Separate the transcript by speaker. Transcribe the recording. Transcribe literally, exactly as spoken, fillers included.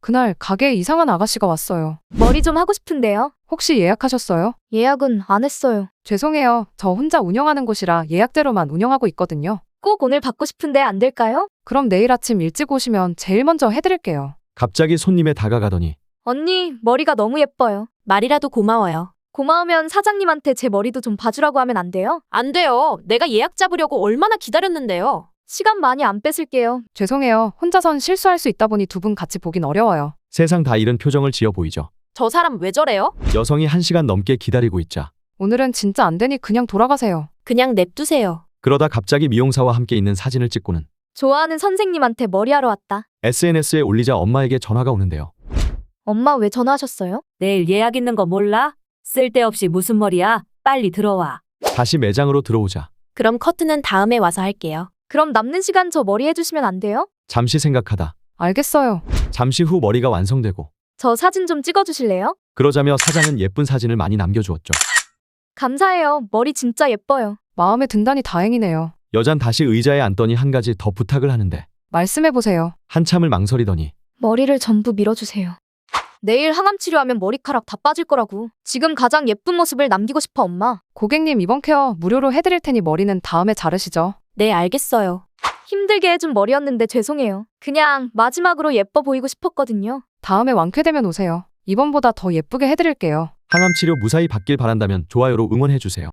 Speaker 1: 그날 가게에 이상한 아가씨가 왔어요.
Speaker 2: 머리 좀 하고 싶은데요.
Speaker 1: 혹시 예약하셨어요?
Speaker 2: 예약은 안 했어요.
Speaker 1: 죄송해요. 저 혼자 운영하는 곳이라 예약대로만 운영하고 있거든요.
Speaker 2: 꼭 오늘 받고 싶은데 안 될까요?
Speaker 1: 그럼 내일 아침 일찍 오시면 제일 먼저 해드릴게요.
Speaker 3: 갑자기 손님에 다가가더니
Speaker 2: 언니, 머리가 너무 예뻐요.
Speaker 4: 말이라도 고마워요.
Speaker 2: 고마우면 사장님한테 제 머리도 좀 봐주라고 하면 안 돼요?
Speaker 4: 안 돼요. 내가 예약 잡으려고 얼마나 기다렸는데요.
Speaker 2: 시간 많이 안 뺏을게요.
Speaker 1: 죄송해요. 혼자선 실수할 수 있다 보니 두 분 같이 보긴 어려워요.
Speaker 3: 세상 다 잃은 표정을 지어 보이죠.
Speaker 4: 저 사람 왜 저래요?
Speaker 3: 여성이 한 시간 넘게 기다리고 있자
Speaker 1: 오늘은 진짜 안 되니 그냥 돌아가세요.
Speaker 4: 그냥 냅두세요.
Speaker 3: 그러다 갑자기 미용사와 함께 있는 사진을 찍고는
Speaker 2: 좋아하는 선생님한테 머리하러 왔다.
Speaker 3: 에스엔에스에 올리자 엄마에게 전화가 오는데요.
Speaker 2: 엄마 왜 전화하셨어요?
Speaker 5: 내일 예약 있는 거 몰라? 쓸데없이 무슨 머리야? 빨리 들어와.
Speaker 3: 다시 매장으로 들어오자
Speaker 4: 그럼 커트는 다음에 와서 할게요.
Speaker 2: 그럼 남는 시간 저 머리 해주시면 안 돼요?
Speaker 3: 잠시 생각하다
Speaker 1: 알겠어요.
Speaker 3: 잠시 후 머리가 완성되고
Speaker 2: 저 사진 좀 찍어주실래요?
Speaker 3: 그러자며 사장은 예쁜 사진을 많이 남겨주었죠.
Speaker 2: 감사해요. 머리 진짜 예뻐요.
Speaker 1: 마음에 든다니 다행이네요.
Speaker 3: 여잔 다시 의자에 앉더니 한 가지 더 부탁을 하는데
Speaker 1: 말씀해보세요.
Speaker 3: 한참을 망설이더니
Speaker 2: 머리를 전부 밀어주세요. 내일 항암 치료하면 머리카락 다 빠질 거라고. 지금 가장 예쁜 모습을 남기고 싶어, 엄마.
Speaker 1: 고객님 이번 케어 무료로 해드릴 테니 머리는 다음에 자르시죠.
Speaker 4: 네, 알겠어요.
Speaker 2: 힘들게 해준 머리였는데 죄송해요. 그냥 마지막으로 예뻐 보이고 싶었거든요.
Speaker 1: 다음에 완쾌되면 오세요. 이번보다 더 예쁘게 해드릴게요.
Speaker 3: 항암 치료 무사히 받길 바란다면 좋아요로 응원해주세요.